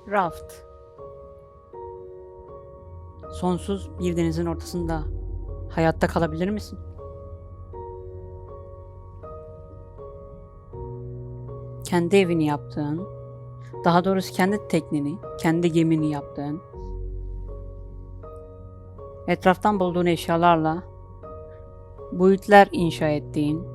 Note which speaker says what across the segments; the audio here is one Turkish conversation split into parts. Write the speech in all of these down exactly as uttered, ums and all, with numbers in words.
Speaker 1: Raft. Sonsuz bir denizin ortasında hayatta kalabilir misin? Kendi evini yaptığın, daha doğrusu kendi tekneni, kendi gemini yaptığın, etraftan bulduğun eşyalarla boyutlar inşa ettiğin,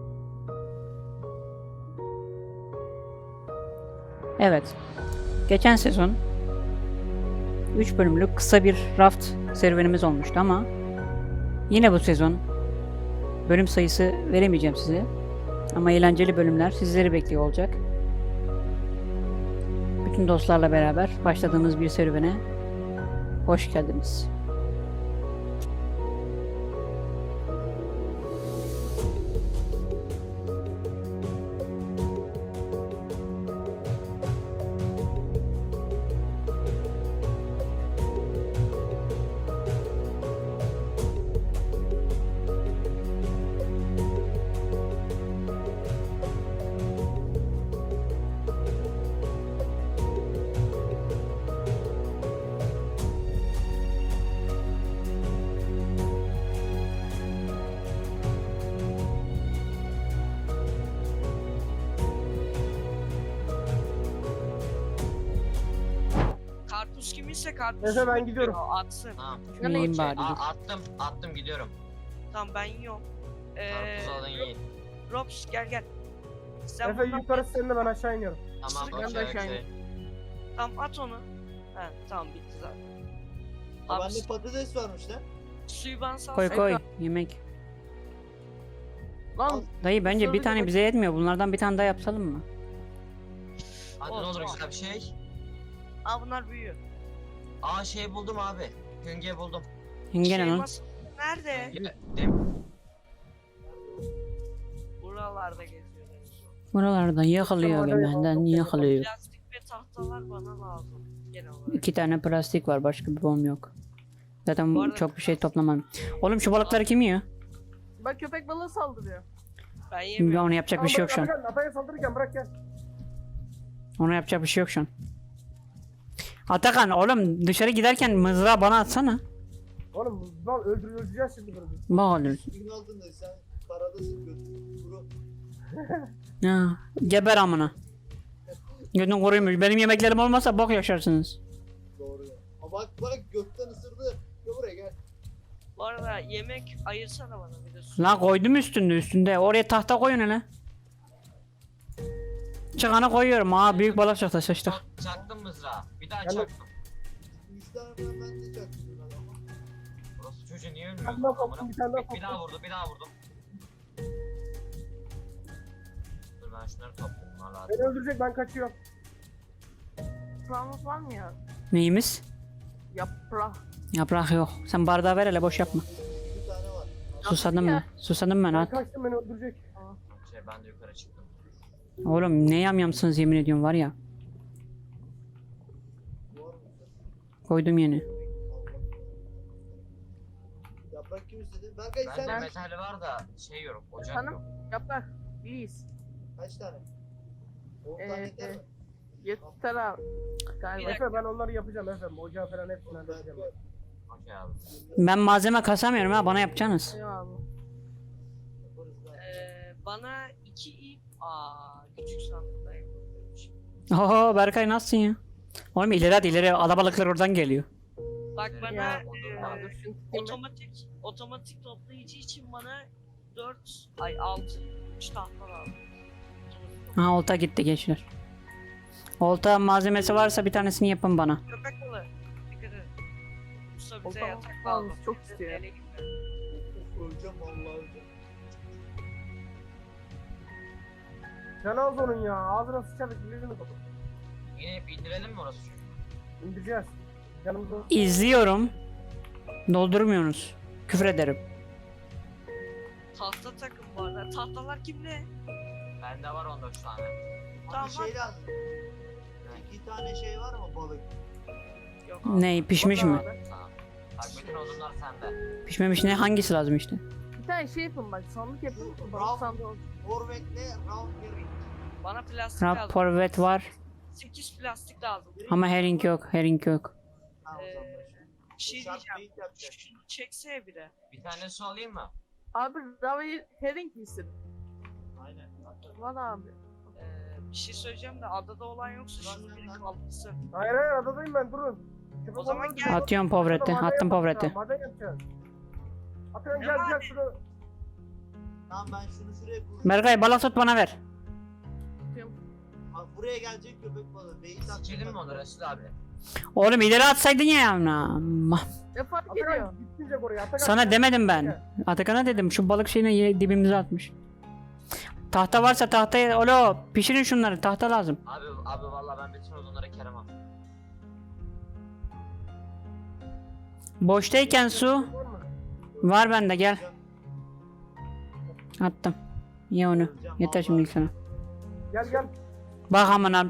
Speaker 1: evet, geçen sezon üç bölümlük kısa bir raft serüvenimiz olmuştu ama yine bu sezon bölüm sayısı veremeyeceğim size ama eğlenceli bölümler sizleri bekliyor olacak. Bütün dostlarla beraber başladığımız bir serüvene hoş geldiniz.
Speaker 2: Karpuz kiminse karpuz.
Speaker 3: Neyse ben gidiyorum.
Speaker 2: O atsın.
Speaker 4: Tamam.
Speaker 1: Yiyin
Speaker 4: Şey,
Speaker 1: bari. dur.
Speaker 4: a- attım, attım gidiyorum.
Speaker 2: Tamam ben yiyorum. Ee,
Speaker 4: Karpuz alın yiyin.
Speaker 2: Robs gel gel. Sen
Speaker 3: Efe
Speaker 2: bundan-
Speaker 3: yukarısı seninle, ben aşağı iniyorum.
Speaker 4: Tamam,
Speaker 2: Ben de
Speaker 4: okey
Speaker 2: aşağı
Speaker 4: okey.
Speaker 2: Tamam at onu. He tamam bitti zaten.
Speaker 5: Ha,
Speaker 2: Abi
Speaker 5: bende patates varmış lan.
Speaker 2: suyu bana sal.
Speaker 1: Koy koy yemek.
Speaker 3: Lan
Speaker 1: Dayı bence bir
Speaker 3: Sadece
Speaker 1: tane
Speaker 3: bak-
Speaker 1: bize yetmiyor. Bunlardan bir tane daha yapalım mı?
Speaker 4: Hadi
Speaker 2: Oh,
Speaker 4: ne olur
Speaker 2: oh.
Speaker 4: güzel bir şey.
Speaker 2: Aa bunlar büyüyor.
Speaker 4: Aa şey buldum abi. Hünge buldum.
Speaker 1: Hünge ne
Speaker 2: Şey
Speaker 1: lan?
Speaker 2: mas- Nerede?
Speaker 4: Hünge, dem-
Speaker 2: Buralarda geziyor.
Speaker 1: Buralardan yakalıyor
Speaker 3: Tamam, hadi
Speaker 1: benden
Speaker 3: yapalım.
Speaker 1: yakalıyor.
Speaker 2: Plastik ve tahtalar bana lazım. Genel olarak.
Speaker 1: İki tane plastik var, başka bir bom yok. Zaten
Speaker 2: Bu arada-
Speaker 1: çok bir şey toplamam. Oğlum şu balıkları kim yiyor?
Speaker 3: bak köpek balığı saldırıyor.
Speaker 2: Ben
Speaker 1: Ya
Speaker 2: yemiyorum.
Speaker 1: onu yapacak bir şey yok şu an.
Speaker 3: Atakan, Ataya saldırırken bırak gel.
Speaker 1: Ona yapacak bir şey yok şu an. Atakan oğlum dışarı giderken mızrağı bana atsana.
Speaker 3: Oğlum lan öldür öldüreceğiz şimdi bunu.
Speaker 1: Bak oğlum.
Speaker 5: Suyun altında sen karadasın götür. Kuru.
Speaker 1: Ha, geber amına. Götün koruymuş. Benim yemeklerim olmasa bok yaşarsınız.
Speaker 5: Doğru ya. Ama bak bak gökten ısırdı. Gel buraya gel.
Speaker 2: Bu arada yemek ayırsana bana bir de su.
Speaker 1: La koydum üstünde üstünde. Oraya tahta koyun hele. Çıkanı koyuyorum. Aa büyük balık çıktı sıçtık.
Speaker 4: Çak- Çaktım mızrağı. Bir daha
Speaker 3: Ben de-
Speaker 4: çaktım.
Speaker 5: Üç tane falan ben de çaktım lan ama.
Speaker 4: Burası çocuğu niye
Speaker 3: Bir
Speaker 4: ölmüyor?
Speaker 3: tane daha
Speaker 4: Amına-
Speaker 3: soktum, bir tane daha
Speaker 4: Bir, bir daha
Speaker 3: soktum.
Speaker 4: vurdu, bir daha vurdum. Dur ben şunları toplayayım. Bunlar lazım.
Speaker 3: Beni öldürecek, ben kaçıyorum.
Speaker 6: Yaprağımız var mı ya?
Speaker 1: Neyimiz?
Speaker 6: Yaprak.
Speaker 1: Yaprak yok. Sen bardağı ver hele boş yapma.
Speaker 5: Bir tane var.
Speaker 1: Susadım
Speaker 6: ya.
Speaker 1: ben. Susadım ben
Speaker 3: Ben
Speaker 1: at.
Speaker 3: kaçtım, beni öldürecek.
Speaker 4: Şey ben de yukarı çıktım.
Speaker 1: Oğlum ne yamyamsınız yemin ediyorum var ya.
Speaker 5: Bu var mı?
Speaker 1: Koydum yeni.
Speaker 5: Yaprak kim istedi? Berkay
Speaker 4: Bende
Speaker 5: sen
Speaker 4: metal var da şey yok, ocak
Speaker 6: Efendim?
Speaker 4: yok.
Speaker 6: Yaprak. İyiyiz.
Speaker 5: kaç tane? on
Speaker 6: Ee,
Speaker 5: tane yeter mi?
Speaker 6: Yeter abi. Galiba.
Speaker 3: Efe ben onları yapacağım Efe. Ocağı falan hepsini halledeceğim.
Speaker 5: Berkay.
Speaker 4: Okey abi.
Speaker 1: Ben malzeme kasamıyorum ha, bana yapacaksınız.
Speaker 6: Eyvallah.
Speaker 5: Yaparız lan.
Speaker 2: Ee, bana iki ip. Aa küçük sandıkta yapabilirmiş.
Speaker 1: Oho Berkay nasılsın ya? Oğlum ileri hadi ileri, alabalıklar oradan geliyor.
Speaker 2: Bak bana
Speaker 6: Ya,
Speaker 2: e,
Speaker 6: Aa, dur şunu tutayım ben.
Speaker 2: otomatik otomatik toplayıcı için bana dört ay altı üç tahta lazım.
Speaker 1: Ha olta gitti gençler. Olta malzemesi varsa bir tanesini yapın bana.
Speaker 2: Köpek balığı. Dikkat edin. Usta bize
Speaker 6: Olta
Speaker 2: yatak
Speaker 6: lazım,
Speaker 2: lazım.
Speaker 6: çok istiyor ya.
Speaker 2: Ele gitme.
Speaker 5: Öleceğim vallahi öleceğim.
Speaker 3: Can az onun ya. Ağzına sıçardık. Yüzünü kapat.
Speaker 4: Yine hep indirelim mi orası çocuğu?
Speaker 3: İndireceğiz. Canımız olsun.
Speaker 1: İzliyorum. Doldurmuyorsunuz. Küfür ederim.
Speaker 2: Tahta takım bu arada. Tahtalar kimde?
Speaker 4: Bende var on dört tane.
Speaker 2: Tamam,
Speaker 5: Abi şey lazım. İki tane şey var mı balık?
Speaker 2: Yok.
Speaker 1: Ne pişmiş mi?
Speaker 4: Tamam. Bak bütün odunlar sende.
Speaker 1: Pişmemiş ne, hangisi lazım işte?
Speaker 6: Bir tane şey yapın bak. Sandık yapın.
Speaker 5: Bravo.
Speaker 6: Balık sandığı olsun.
Speaker 5: Forvet'le round bir ring.
Speaker 2: Bana plastik lazım.
Speaker 1: Raporvet var.
Speaker 2: sekiz plastik lazım.
Speaker 1: Ama herring yok, herring yok.
Speaker 5: Ha, o
Speaker 2: Ee,
Speaker 5: zaman.
Speaker 2: Bir şey
Speaker 5: Şart
Speaker 2: diyeceğim.
Speaker 5: beyit yapacak.
Speaker 2: Şunu çeksene biri.
Speaker 4: Bir tane su alayım mı?
Speaker 6: Abi Ravi herring misin?
Speaker 5: Aynen. Hatta-
Speaker 6: Var abi.
Speaker 2: Ee, bir şey söyleyeceğim de adada olan yoksa şunu biri kaldırsın.
Speaker 3: Hayır hayır adadayım ben durun. Köpek
Speaker 2: O zaman
Speaker 3: balığını
Speaker 2: gel.
Speaker 3: tutun.
Speaker 1: Atıyorum povreti,
Speaker 3: Maden
Speaker 1: attım
Speaker 3: yapacağız,
Speaker 1: povreti.
Speaker 3: Maden yapacağız. Atıyorum
Speaker 2: Ne
Speaker 3: gel
Speaker 2: maden?
Speaker 3: gel şunu.
Speaker 5: Tamam ben şunu şuraya kuracağım.
Speaker 1: Berkay balık tut bana ver.
Speaker 6: Tutuyorum.
Speaker 5: Bak buraya gelecek köpek balığı. Beyit atacak.
Speaker 4: Sikelim mi onu Resul abi?
Speaker 1: Oğlum ileri atsaydın ya yavrum.
Speaker 6: Ne fark ediyor?
Speaker 3: Atakan gitmeyecek oraya. Atakan.
Speaker 1: Sana demedim ben. Atakan'a dedim şu balık şeyini ye- dibimize atmış. Tahta varsa tahtaya olo pişirin şunları, tahta lazım.
Speaker 4: Abi abi vallahi ben bütün odunları keremem.
Speaker 1: Boştayken su
Speaker 3: Var mı?
Speaker 1: var bende, gel. Attım. Ye onu.
Speaker 5: Kuracağım,
Speaker 1: Yeter
Speaker 5: vallahi.
Speaker 1: şimdi sana.
Speaker 3: Gel gel.
Speaker 1: Bak amına.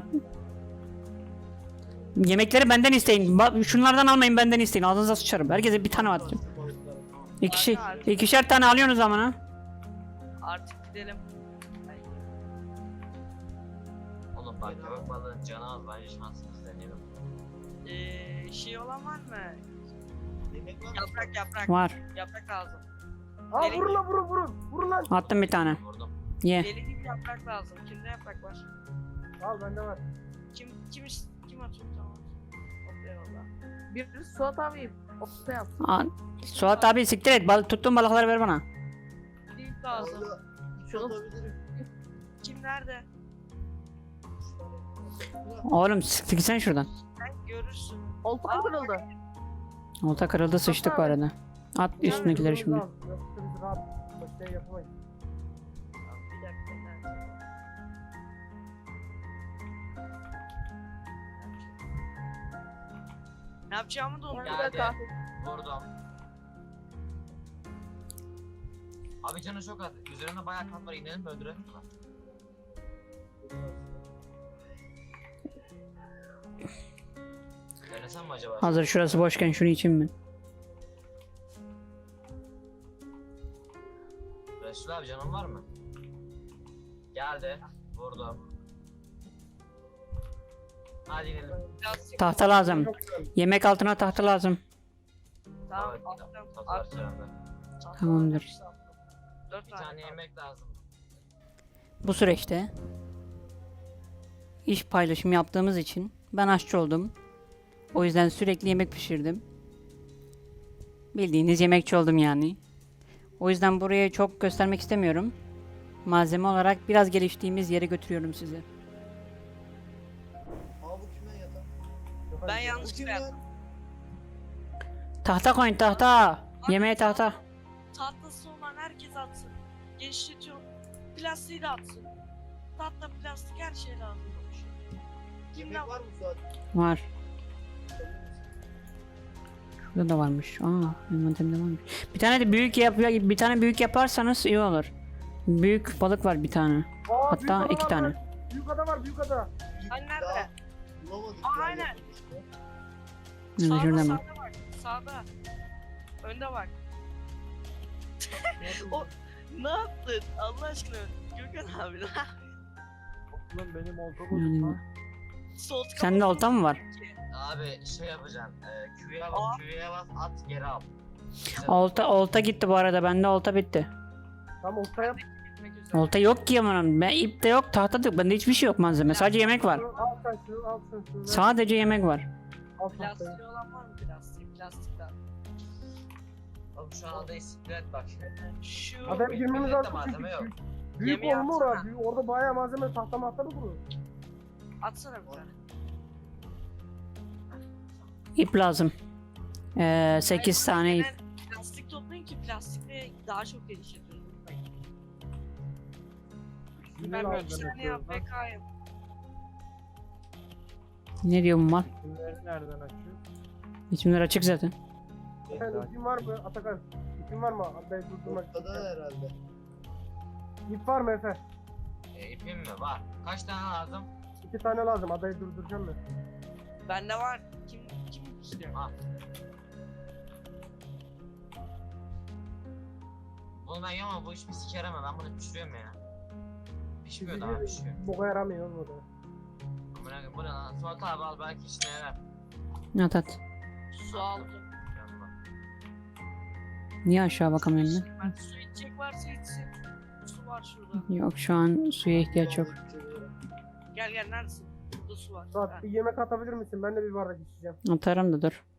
Speaker 1: Yemekleri benden isteyin. Ba- şunlardan almayın, benden isteyin. Ağzınıza sıçarım. Herkese bir tane atacağım.
Speaker 5: Şu balıkları, tamam.
Speaker 1: İkişi,
Speaker 2: Hadi.
Speaker 1: ikişer tane alıyorsunuz amına.
Speaker 2: Artık gidelim. Ay,
Speaker 4: Oğlum bak köpek balığın canı az, bence şansımız deneyelim.
Speaker 2: Ee, şey olan var mı?
Speaker 5: Yemek var mı?
Speaker 2: Yaprak yaprak.
Speaker 1: Var.
Speaker 2: Yaprak lazım.
Speaker 3: Aa
Speaker 2: Gelin.
Speaker 3: vurun lan vurun vurun. Vurun lan.
Speaker 1: Attım bir tane.
Speaker 4: Vurdum.
Speaker 1: Ye.
Speaker 2: Deli gibi yaprak lazım. Kimde yaprak var?
Speaker 3: Al bende var.
Speaker 2: Kim kim is- kim atıyor tamam. Hop eyvallah.
Speaker 6: Bir Suat abi opta yap.
Speaker 1: Aa, Suat abi siktir et. Bal tuttuğun balıkları ver bana.
Speaker 2: Link lazım.
Speaker 5: Orada üç
Speaker 6: Şunu-
Speaker 5: atabilirim.
Speaker 2: Kim nerede?
Speaker 5: Üç tane.
Speaker 1: Oğlum siktir gitsene şuradan.
Speaker 2: Sen görürsün.
Speaker 6: Olta kırıldı.
Speaker 1: Olta kırıldı, sıçtık bu arada. At üstündekileri şimdi.
Speaker 3: Al, yoksa biz rahat bir şey yapamayız.
Speaker 2: Tamam, bir dakika nerede? Ne yapacağımı da
Speaker 6: Bir
Speaker 2: unuttum.
Speaker 4: Geldi.
Speaker 6: dakika.
Speaker 4: Vurdum. Abi canı çok az. Üzerinde bayağı kan var. İnelim mi öldürelim mi lan? Denesem mi acaba?
Speaker 1: Hazır şurası boşken şunu içeyim mi?
Speaker 4: Resul abi canın var mı? Geldi. Vurdum. Hadi inelim.
Speaker 2: Plastik.
Speaker 1: Tahta lazım.
Speaker 3: Çok güzel.
Speaker 1: Yemek altına tahta lazım.
Speaker 2: Tamam
Speaker 4: Evet,
Speaker 2: attım.
Speaker 4: tatlar
Speaker 2: Attım.
Speaker 4: çağırdı.
Speaker 1: Tamamdır.
Speaker 2: Dört
Speaker 4: Bir
Speaker 2: tane.
Speaker 4: tane yemek lazım.
Speaker 1: Bu süreçte iş paylaşımı yaptığımız için ben aşçı oldum. O yüzden sürekli yemek pişirdim. Bildiğiniz yemekçi oldum yani. O yüzden buraya çok göstermek istemiyorum. Malzeme olarak biraz geliştiğimiz yere götürüyorum sizi.
Speaker 5: Aa bu kime yatak?
Speaker 2: Ben
Speaker 5: Bu
Speaker 2: yanlış
Speaker 5: kim
Speaker 2: yaptım.
Speaker 5: lan?
Speaker 1: Tahta koyun, tahta. Yemeğe tahta.
Speaker 2: Tahtası olan herkes atsın. Genişletiyorum. Plastiği de atsın. Tahta, plastik her şey lazım olmuş. Kimden
Speaker 5: Yemek var mı Suat?
Speaker 1: Var. Şurada da varmış. Aa, envanterimde varmış. Bir tane de büyük yap bir tane büyük yaparsanız iyi olur. Büyük balık var bir tane.
Speaker 3: Aa,
Speaker 1: Hatta
Speaker 3: büyük ada
Speaker 1: iki
Speaker 3: var
Speaker 1: tane.
Speaker 3: lan. Büyük ada var büyük ada.
Speaker 5: Büyük
Speaker 2: Ay, nerede?
Speaker 5: daha Bulamadık
Speaker 2: Aa,
Speaker 5: ya,
Speaker 2: aynen.
Speaker 5: yakın işte.
Speaker 1: Nerede,
Speaker 2: Sağda,
Speaker 1: şurada mı?
Speaker 2: sağda bak. Sağda. Önde bak. O ne yaptın? Allah aşkına. Gökhan abi lan.
Speaker 3: Lan benim olta
Speaker 1: Yani,
Speaker 2: Sol
Speaker 1: sende olta mı var?
Speaker 4: Abi şey yapacaksın. E, Q'ya
Speaker 2: Aa.
Speaker 4: bas, Q'ya bas, at geri al. Güzel.
Speaker 1: Olta olta gitti bu arada. Bende olta bitti.
Speaker 3: Tam olta yap.
Speaker 2: Gitmek üzere.
Speaker 1: Olta yok ki amanım. Ben ip de yok, tahta da yok. Bende hiçbir şey yok malzeme. Sadece yemek var.
Speaker 3: Al sen şunu al sen şunu. ver.
Speaker 1: Sadece yemek var.
Speaker 3: Al tahtayı.
Speaker 2: Plastiği olan var mı plastik? Plastikler.
Speaker 4: Abi şu an adayı siklet bak.
Speaker 2: Şu
Speaker 3: Adam girmemiz
Speaker 4: Millette
Speaker 3: lazım.
Speaker 4: malzeme yok.
Speaker 3: çünkü Büyük
Speaker 2: Yemeği
Speaker 3: olma
Speaker 2: atsana.
Speaker 3: orada. Büyük- Orada bayağı malzeme tahta mahta mı kurur?
Speaker 2: atsana bir tane.
Speaker 1: İp lazım. Ee, sekiz tane ip.
Speaker 2: Ben plastik toplayın ki plastikle daha çok geliştiriyoruz. Ben böyle bir saniye yapmaya kayım.
Speaker 1: Ne diyor bu mal?
Speaker 3: Bunları nereden açıyor?
Speaker 1: İçimler açık zaten.
Speaker 3: Sen ipin var mı Atakan? İpin var mı? Adayı durdurmak için.
Speaker 5: Ortada herhalde.
Speaker 3: İp var mı Efe?
Speaker 4: E, ipim mi? Var. Kaç tane lazım?
Speaker 3: İki tane lazım. Adayı durduracağım ben.
Speaker 2: Bende var. Kim kim istiyor?
Speaker 4: Al. Bunu ben yemem, bu iş bir sikerem ben bunu pişiriyorum ya. Pişmiyor daha pişiyor.
Speaker 3: Boka yaramıyor bu da.
Speaker 4: Amına koyayım, bu ne lan? Suat abi al belki işine yarar.
Speaker 1: At at.
Speaker 2: Su aldım.
Speaker 4: Yanma.
Speaker 1: Niye aşağı bakamıyorum ben?
Speaker 2: Ben su içecek varsa içsin. Su var şurada.
Speaker 1: Yok şu an suya ihtiyaç yok.
Speaker 2: Gel gel neredesin? Burada su var. Ha.
Speaker 3: Suat bir yemek atabilir misin? Ben de bir bardak içeceğim.
Speaker 1: Atarım da dur.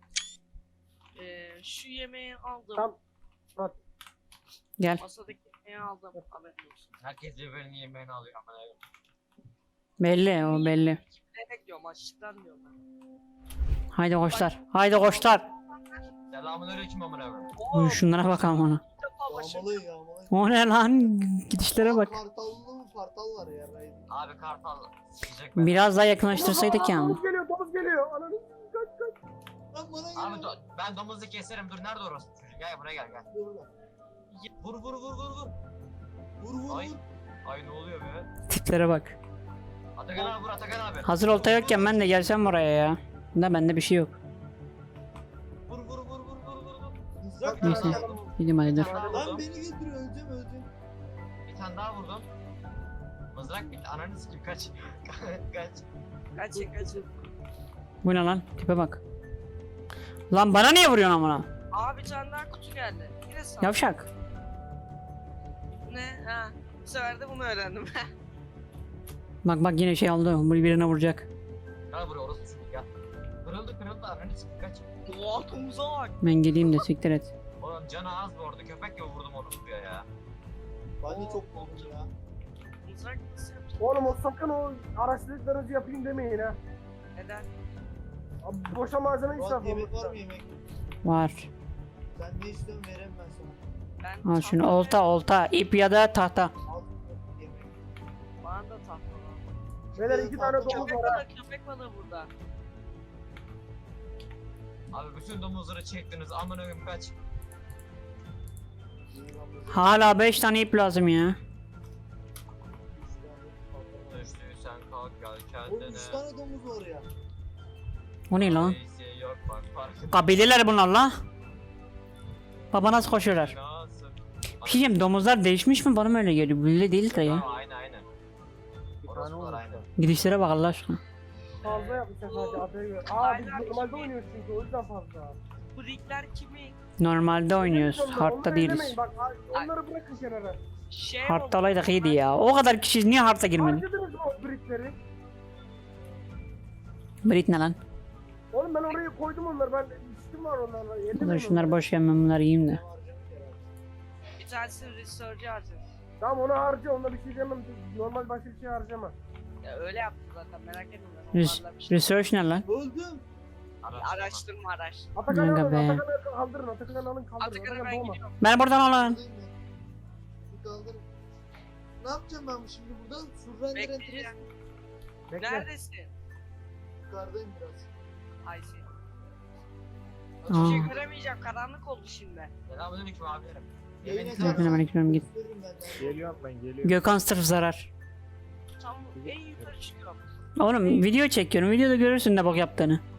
Speaker 2: Ee, şu yemeği aldım.
Speaker 3: Tamam. Suat.
Speaker 1: Gel.
Speaker 2: Masadaki yemeği aldım. Haberin olsun.
Speaker 4: Herkes birbirinin yemeğini alıyor ama.
Speaker 1: Belli o belli.
Speaker 2: Yemek diyorum açlıktan diyorum ben.
Speaker 1: Haydi koçlar. Haydi koçlar.
Speaker 4: Selamünaleyküm amına koyayım.
Speaker 2: Oo,
Speaker 1: Şunlara bakalım ona.
Speaker 2: ilk defa başım.
Speaker 5: Yağmalı yağmalı.
Speaker 1: O ne lan? Gidişlere bak.
Speaker 5: Kartallı mı kartal var ya. Raid.
Speaker 4: Abi kartal sıcak ben.
Speaker 1: Biraz daha yakınlaştırsaydık ya.
Speaker 3: Domuz geliyor, domuz geliyor. Ananı kaç kaç.
Speaker 5: Lan bana
Speaker 4: Abi
Speaker 5: geliyor.
Speaker 4: do- ben domuzu keserim dur nerede orası çocuk gel buraya gel gel.
Speaker 5: Burada.
Speaker 4: Vur vur vur vur vur.
Speaker 5: Vur vur
Speaker 4: Ay.
Speaker 5: vur.
Speaker 4: Ay ne oluyor be?
Speaker 1: Tiplere bak.
Speaker 4: Atakan abi vur Atakan abi.
Speaker 1: Hazır olta yokken ben de gelsem buraya ya. Da bende bir şey yok.
Speaker 4: Vur vur vur vur vur vur vur.
Speaker 5: Mızrak
Speaker 1: Neyse.
Speaker 5: var.
Speaker 1: Gideyim hadi dur.
Speaker 4: Bir tane daha
Speaker 5: Lan
Speaker 4: vurdum.
Speaker 5: beni götürüyor öleceğim öleceğim.
Speaker 4: Bir tane daha vurdum. Mızrak bitti ananı sikeyim kaç. kaç.
Speaker 2: Kaçın kaçın.
Speaker 1: Bu ne lan? Tipe bak. Lan bana niye vuruyorsun amına?
Speaker 2: Abi bir tane daha kutu geldi. Yine sağ.
Speaker 1: Yavşak.
Speaker 2: Ne? Ha. Bu sefer de bunu öğrendim.
Speaker 1: Bak bak yine şey aldı. Bu birine vuracak.
Speaker 4: Gel buraya orası çocuk gel. Kırıldı kırıldı ananı sikeyim kaç.
Speaker 2: Doğa domuza bak.
Speaker 1: Ben geleyim de siktir et.
Speaker 4: Oğlum canı az bu orada köpek gibi vurdum onu buraya ya.
Speaker 5: Ben de çok korktum ya.
Speaker 2: Mızrak nasıl yapacak?
Speaker 3: Oğlum o sakın o araştırdıklarınızı yapayım demeyin ha.
Speaker 2: Neden?
Speaker 3: Abi boşa malzeme
Speaker 5: Murat
Speaker 3: israf
Speaker 5: yemek
Speaker 3: olur.
Speaker 5: var mı yemek?
Speaker 1: Var.
Speaker 5: Sen ne istiyorsun vereyim ben sana.
Speaker 2: Ben
Speaker 1: Al şunu
Speaker 2: tahta-
Speaker 1: olta olta. ip ya da tahta.
Speaker 5: Al yemek.
Speaker 2: Bana da tahta var.
Speaker 3: Beyler iki tane domuz
Speaker 2: Köpek
Speaker 3: var ha.
Speaker 2: balığı köpek balığı burada.
Speaker 4: Abi bütün domuzları çektiniz amına koyayım kaç.
Speaker 5: İyi lan bu.
Speaker 1: Hala beş tane ip lazım ya.
Speaker 5: Üç tane patladı.
Speaker 4: Düştüysen kalk gel
Speaker 5: Oğlum
Speaker 4: kendine.
Speaker 5: üç tane domuz var ya.
Speaker 1: O ne lan?
Speaker 4: Neyse yok bak farkında.
Speaker 1: Kabileler bunlar la. Baba nasıl koşuyorlar?
Speaker 4: Nasıl?
Speaker 1: Bir şey diyeyim, domuzlar değişmiş mi? Bana mı öyle geliyor? Böyle değil de ya.
Speaker 4: Tamam aynen aynen.
Speaker 3: Bir tane
Speaker 4: Orospular
Speaker 3: olmuş.
Speaker 4: aynen.
Speaker 1: Gidişlere bak Allah aşkına.
Speaker 3: Fazla yapmışlar sadece adaya göre. Aa biz
Speaker 2: Aynen.
Speaker 3: normalde oynuyoruz çünkü o yüzden fazla.
Speaker 2: Bu rigler kimin?
Speaker 1: Normalde oynuyoruz.
Speaker 3: Onları
Speaker 1: Hard'da değiliz.
Speaker 3: ellemeyin, Bak onları bırakın kenara.
Speaker 2: Şey
Speaker 1: Hard'da
Speaker 2: oldu.
Speaker 1: olaydık iyiydi ya. O kadar kişi niye Hard'a girmedi?
Speaker 3: Harcadınız mı o brickleri?
Speaker 1: Brit ne lan?
Speaker 3: Oğlum ben oraya koydum onları. Ben içtim var onlarla.
Speaker 1: Dur
Speaker 3: Ellemeyin
Speaker 1: şunlar
Speaker 3: onları.
Speaker 1: boş yem ben bunları yiyeyim de.
Speaker 5: Ne harcamış herhalde.
Speaker 2: Bir tanesini research'e harcadım.
Speaker 3: Tamam onu harca. Onda bir şey demem. Normal başka bir şey harcama.
Speaker 2: Ya öyle yaptım zaten merak etme.
Speaker 1: Res
Speaker 2: Onlarla bir şey-
Speaker 1: research ne lan?
Speaker 5: Öldüm.
Speaker 2: Araştırma araştırma.
Speaker 3: Atakan'ı
Speaker 1: Aga
Speaker 3: alın.
Speaker 1: be.
Speaker 3: Atakan'ı kaldırın. Atakan'ı alın kaldırın.
Speaker 2: Atakan'a
Speaker 3: Atakan
Speaker 2: ben
Speaker 3: doğma.
Speaker 2: gidiyorum.
Speaker 1: Ben buradan alın.
Speaker 5: Buradayım ben. Bir kaldırın. Ne yapacağım ben şimdi burada? Surrender entres.
Speaker 2: Bekleyeceğim.
Speaker 3: Bekle.
Speaker 2: Neredesin?
Speaker 5: Yukarıdayım biraz.
Speaker 2: Ay seni.
Speaker 1: Aa.
Speaker 2: Hiçbir şey göremeyeceğim. Karanlık oldu şimdi.
Speaker 4: Selamünaleyküm abilerim.
Speaker 5: Yayın
Speaker 4: Yemeğinizi
Speaker 5: açarsan
Speaker 1: Selamünaleyküm, git.
Speaker 5: gösteririm benden.
Speaker 3: Geliyorum ben geliyorum.
Speaker 1: Gökhan sırf zarar.
Speaker 2: Tam en yukarı çıkıyorum.
Speaker 1: Oğlum video çekiyorum. Videoda görürsün ne bak yaptığını.
Speaker 5: Lan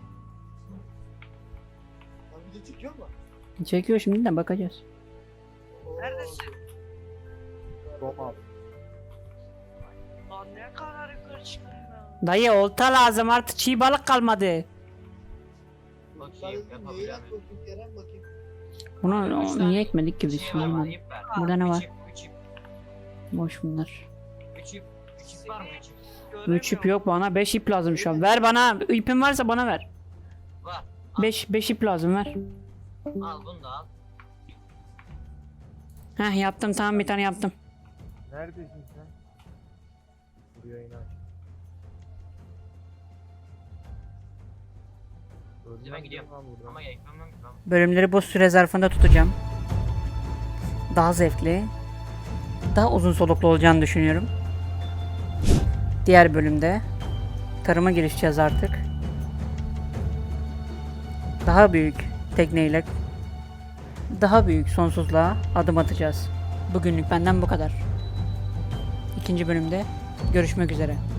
Speaker 5: video çekiyor mu?
Speaker 1: Çekiyor şimdi de bakacağız.
Speaker 5: Oo.
Speaker 2: Neredesin?
Speaker 3: Doğma.
Speaker 2: Lan ne kadar yukarı çıkıyorum ya.
Speaker 1: Dayı olta lazım artık çiğ balık kalmadı.
Speaker 4: Bakayım,
Speaker 5: Bakayım
Speaker 4: yapabiliyor
Speaker 5: Yayın aç
Speaker 4: muyum?
Speaker 5: bakayım Kerem bakayım.
Speaker 1: Bunu
Speaker 4: Üç
Speaker 1: o,
Speaker 4: tane
Speaker 1: niye ekmedik ki biz?
Speaker 4: Şey var
Speaker 1: Bilmiyorum.
Speaker 4: bana, ip ver.
Speaker 1: Burada ne
Speaker 4: Üç
Speaker 1: var?
Speaker 4: ip, üç ip,
Speaker 1: Boş bunlar.
Speaker 4: üç ip, üç ip var mı üç ip?
Speaker 1: Üç ip
Speaker 2: Göremiyorum.
Speaker 1: yok bana. Beş ip lazım şu an. Ver bana. İpin varsa bana ver.
Speaker 4: Var.
Speaker 1: Beş, beş ip lazım ver.
Speaker 4: Al bunu da al.
Speaker 1: Heh yaptım tamam bir tane yaptım.
Speaker 3: Neredesin sen? Buraya in aç.
Speaker 4: Hadi ben gidiyorum. Ama ekmemem lazım.
Speaker 1: Bölümleri bu süre zarfında tutacağım. Daha zevkli, daha uzun soluklu olacağını düşünüyorum. Diğer bölümde tarıma girişeceğiz artık. Daha büyük tekneyle daha büyük sonsuzluğa adım atacağız. Bugünlük benden bu kadar. İkinci bölümde görüşmek üzere.